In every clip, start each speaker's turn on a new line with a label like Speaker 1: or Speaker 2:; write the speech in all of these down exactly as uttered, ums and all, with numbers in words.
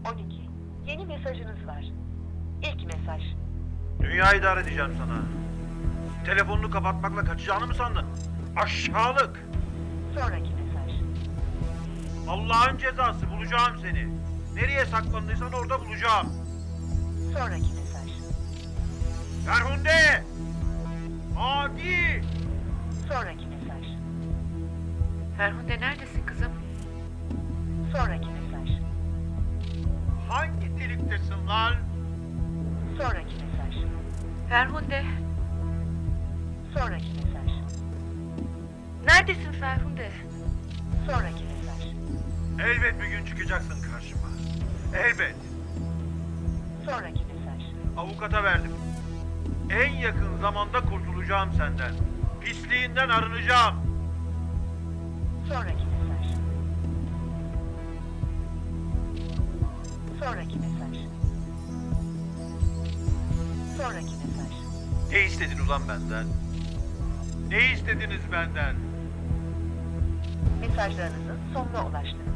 Speaker 1: on iki. Yeni mesajınız var. İlk mesaj.
Speaker 2: Dünya idare edeceğim sana. Telefonunu kapatmakla kaçacağını mı sandın? Aşağılık!
Speaker 1: Sonraki mesaj.
Speaker 2: Allah'ın cezası, bulacağım seni. Nereye saklandıysan orada bulacağım.
Speaker 1: Sonraki mesaj.
Speaker 2: Ferhunde! Adi!
Speaker 1: Sonraki mesaj.
Speaker 3: Ferhunde neredesin kızım?
Speaker 1: Sonraki mesaj.
Speaker 2: Hangi deliktesin lan?
Speaker 1: Sonraki mesaj.
Speaker 3: Ferhunde.
Speaker 1: Sonraki mesaj.
Speaker 3: Neredesin Ferhunde?
Speaker 1: Sonraki mesaj.
Speaker 2: Elbet bir gün çıkacaksın karşıma. Elbet.
Speaker 1: Sonraki mesaj.
Speaker 2: Avukata verdim. En yakın zamanda kurtulacağım senden. Pisliğinden arınacağım.
Speaker 1: Sonraki mesaj. Sonraki mesaj. Sonraki mesaj.
Speaker 2: Ne istedin ulan benden? Ne istediniz benden?
Speaker 1: Mesajlarınızın sonuna ulaştınız.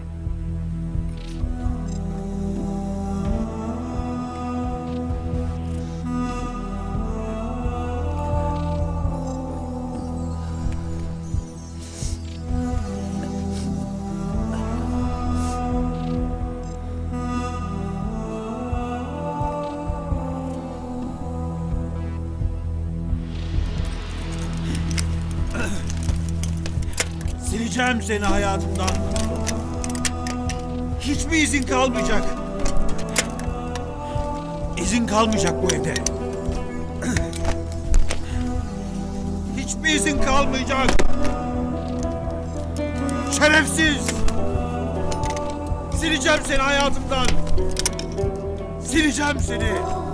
Speaker 4: Sileceğim seni hayatımdan. Hiçbir izin kalmayacak. İzin kalmayacak bu evde. Hiçbir izin kalmayacak. Şerefsiz! Sileceğim seni hayatımdan. Sileceğim seni.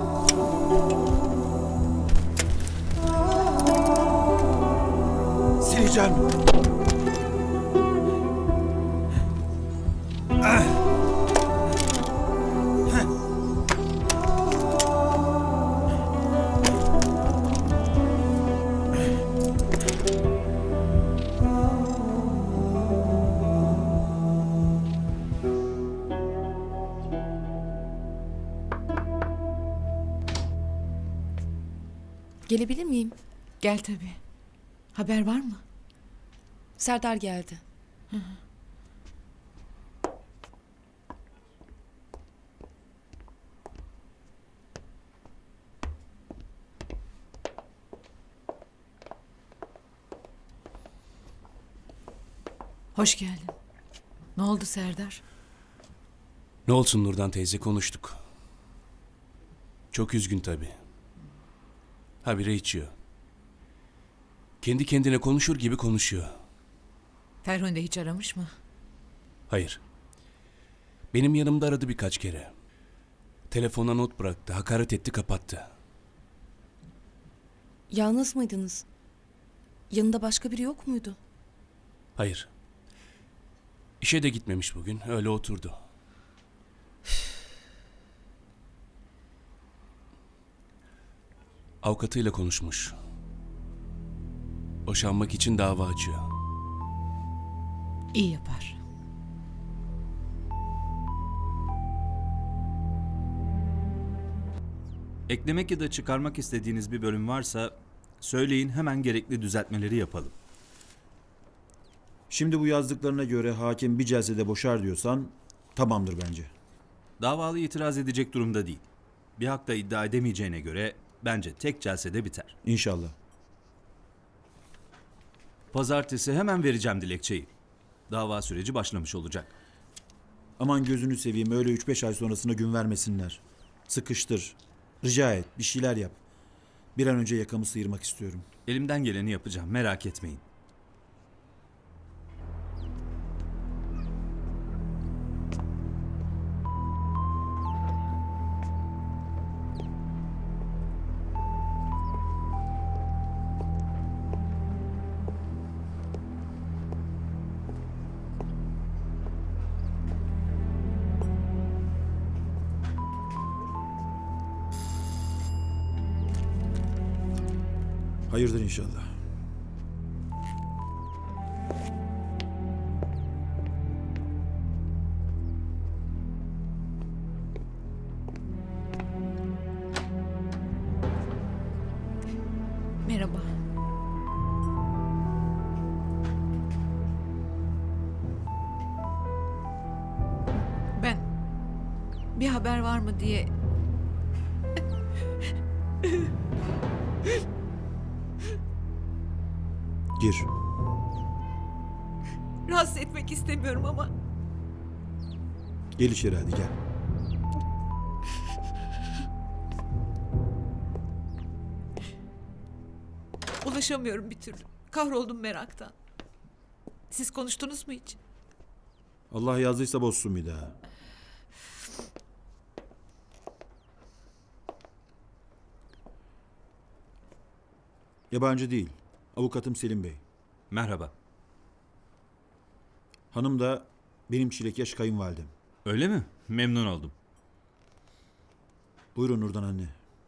Speaker 4: Sileceğim.
Speaker 5: Gelebilir miyim?
Speaker 6: Gel tabii. Haber var mı?
Speaker 5: Serdar geldi.
Speaker 6: Hoş geldin. Ne oldu Serdar?
Speaker 7: Ne olsun Nurdan teyze, konuştuk. Çok üzgün tabii. Habire içiyor. Kendi kendine konuşur gibi konuşuyor.
Speaker 6: Ferhunde hiç aramış mı?
Speaker 7: Hayır. Benim yanımda aradı birkaç kere. Telefona not bıraktı, hakaret etti, kapattı.
Speaker 5: Yalnız mıydınız? Yanında başka biri yok muydu?
Speaker 7: Hayır. İşe de gitmemiş bugün, öyle oturdu. Avukatıyla konuşmuş. Boşanmak için dava açıyor.
Speaker 6: İyi yapar.
Speaker 8: Eklemek ya da çıkarmak istediğiniz bir bölüm varsa söyleyin, hemen gerekli düzeltmeleri yapalım.
Speaker 4: Şimdi bu yazdıklarına göre hakim bir celsede boşar diyorsan tamamdır bence.
Speaker 8: Davalı itiraz edecek durumda değil. Bir hakta iddia edemeyeceğine göre bence tek celsede biter.
Speaker 4: İnşallah.
Speaker 8: Pazartesi hemen vereceğim dilekçeyi. Dava süreci başlamış olacak.
Speaker 4: Aman gözünü seveyim, öyle üç beş ay sonrasına gün vermesinler. Sıkıştır. Rica et, bir şeyler yap. Bir an önce yakamı sıyırmak istiyorum.
Speaker 8: Elimden geleni yapacağım, merak etmeyin.
Speaker 4: Hayırdır inşallah.
Speaker 6: Bir haber var mı diye.
Speaker 4: Gir.
Speaker 6: Rahatsız etmek istemiyorum ama
Speaker 4: Gel içeri hadi gel.
Speaker 6: ulaşamıyorum bir türlü. Kahroldum meraktan. Siz konuştunuz mu hiç?
Speaker 4: Allah yazdıysa bozsun bir daha. Yabancı değil. Avukatım Selim Bey.
Speaker 8: Merhaba.
Speaker 4: Hanım da benim çilekyaş kayınvalidem.
Speaker 8: Öyle mi? Memnun oldum.
Speaker 4: Buyurun Nurdan anne.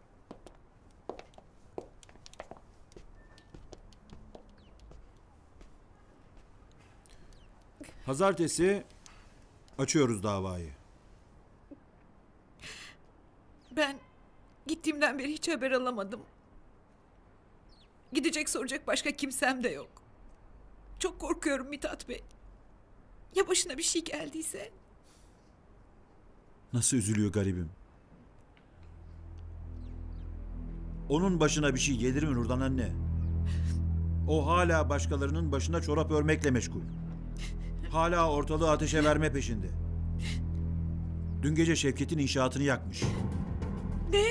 Speaker 4: Pazartesi açıyoruz davayı.
Speaker 6: Ben gittiğimden beri hiç haber alamadım. Gidecek soracak başka kimsem de yok. Çok korkuyorum Mithat Bey. Ya başına bir şey geldiyse?
Speaker 4: Nasıl üzülüyor garibim. Onun başına bir şey gelir mi Nurdan anne? O hala başkalarının başına çorap örmekle meşgul. Hala ortalığı ateşe verme peşinde. Dün gece Şevket'in inşaatını yakmış.
Speaker 6: Ne?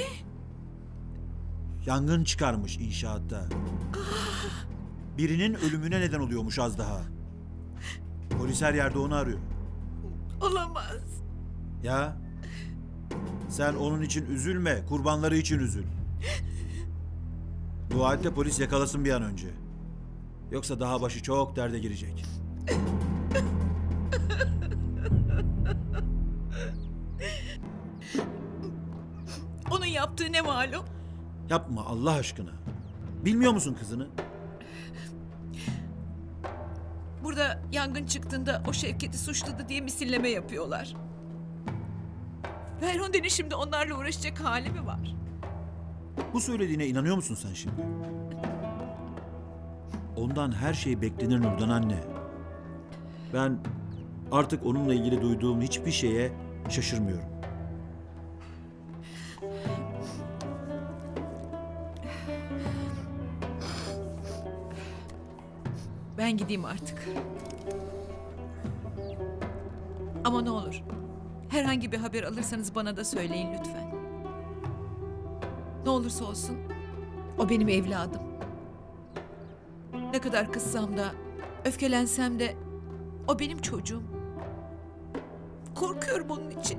Speaker 4: Yangın çıkarmış inşaatta. Birinin ölümüne neden oluyormuş az daha. Polis her yerde onu arıyor.
Speaker 6: Olamaz.
Speaker 4: Ya sen onun için üzülme, kurbanları için üzül. Dua et de polis yakalasın bir an önce. Yoksa daha başı çok derde girecek.
Speaker 6: Onun yaptığı ne malum?
Speaker 4: Yapma Allah aşkına. Bilmiyor musun kızını?
Speaker 6: Burada yangın çıktığında o Şevket'i suçladı diye misilleme yapıyorlar. Ferhunde'nin şimdi onlarla uğraşacak hali mi var?
Speaker 4: Bu söylediğine inanıyor musun sen şimdi? Ondan her şey beklenir Nurdan anne. Ben artık onunla ilgili duyduğum hiçbir şeye şaşırmıyorum.
Speaker 6: Ben gideyim artık. Ama ne olur, herhangi bir haber alırsanız bana da söyleyin lütfen. Ne olursa olsun, o benim evladım. Ne kadar kızsam da, öfkelensem de, o benim çocuğum. Korkuyorum onun için.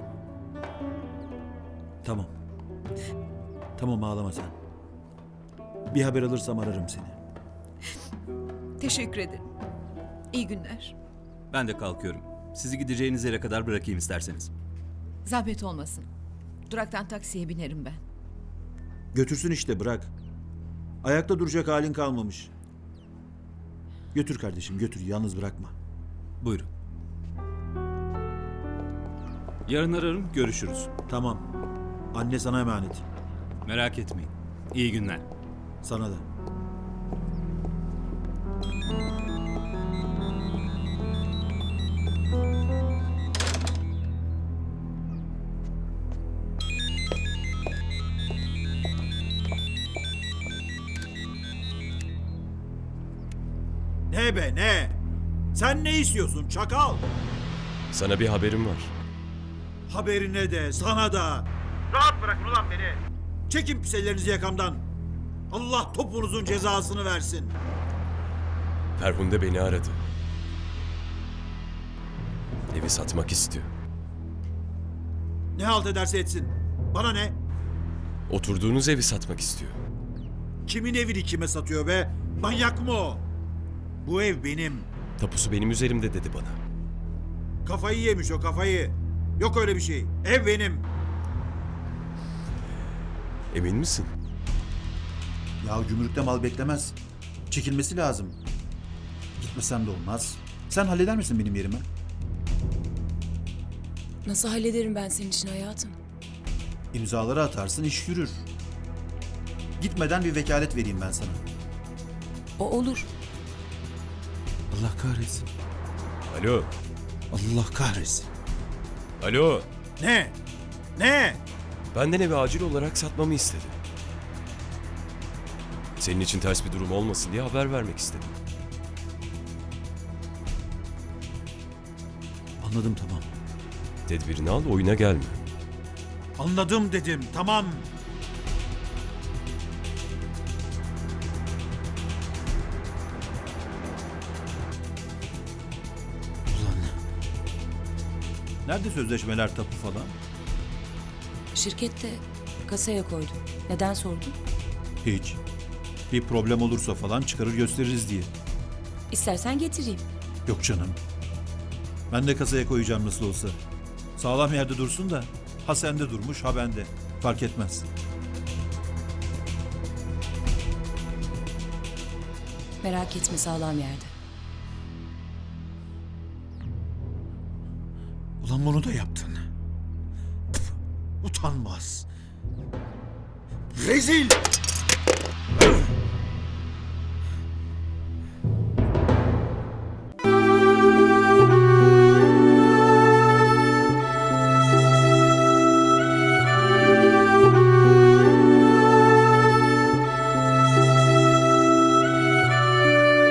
Speaker 4: Tamam. Tamam ağlama sen. Bir haber alırsam ararım seni.
Speaker 6: Teşekkür ederim. İyi günler.
Speaker 8: Ben de kalkıyorum. Sizi gideceğiniz yere kadar bırakayım isterseniz.
Speaker 6: Zahmet olmasın. Duraktan taksiye binerim ben.
Speaker 4: Götürsün işte bırak. Ayakta duracak halin kalmamış. Götür kardeşim götür yalnız bırakma.
Speaker 8: Buyurun. Yarın ararım, görüşürüz.
Speaker 4: Tamam. Anne sana emanet.
Speaker 8: Merak etmeyin. İyi günler.
Speaker 4: Sana da. Ne be ne? Sen ne istiyorsun çakal?
Speaker 9: Sana bir haberim var.
Speaker 4: Haberine de sana da. Rahat bırakın ulan beni. Çekin pis ellerinizi yakamdan. Allah topunuzun cezasını versin.
Speaker 9: Ferhunde beni aradı. Evi satmak istiyor.
Speaker 4: Ne halt ederse etsin. Bana ne?
Speaker 9: Oturduğunuz evi satmak istiyor.
Speaker 4: Kimin evini kime satıyor be? Manyak mı o? Bu ev benim.
Speaker 9: Tapusu benim üzerimde dedi bana.
Speaker 4: Kafayı yemiş o kafayı. Yok öyle bir şey. Ev benim.
Speaker 9: Emin misin?
Speaker 4: Ya gümrükte mal beklemez. Çekilmesi lazım. Gitmesem de olmaz. Sen halleder misin benim yerime?
Speaker 5: Nasıl hallederim ben senin için hayatım?
Speaker 4: İmzaları atarsın iş yürür. Gitmeden bir vekalet vereyim ben sana.
Speaker 5: O olur.
Speaker 4: Allah kahretsin.
Speaker 9: Alo.
Speaker 4: Allah kahretsin.
Speaker 9: Alo.
Speaker 4: Ne? Ne?
Speaker 9: Benden evi acil olarak satmamı istedi. Senin için ters bir durum olmasın diye haber vermek istedim.
Speaker 4: Anladım tamam.
Speaker 9: Tedbirini al, oyuna gelme.
Speaker 4: Anladım dedim tamam. Ulan. Nerede sözleşmeler tapu falan?
Speaker 5: Şirkette kasaya koydum. Neden sordun?
Speaker 4: Hiç. Bir problem olursa falan çıkarır gösteririz diye.
Speaker 5: İstersen getireyim.
Speaker 4: Yok canım. Ben de kasaya koyacağım nasıl olsa. Sağlam yerde dursun da ha sende durmuş ha bende. Fark etmez.
Speaker 5: Merak etme, sağlam yerde.
Speaker 4: Ulan bunu da yaptın. Pf, utanmaz. Rezil! Öf!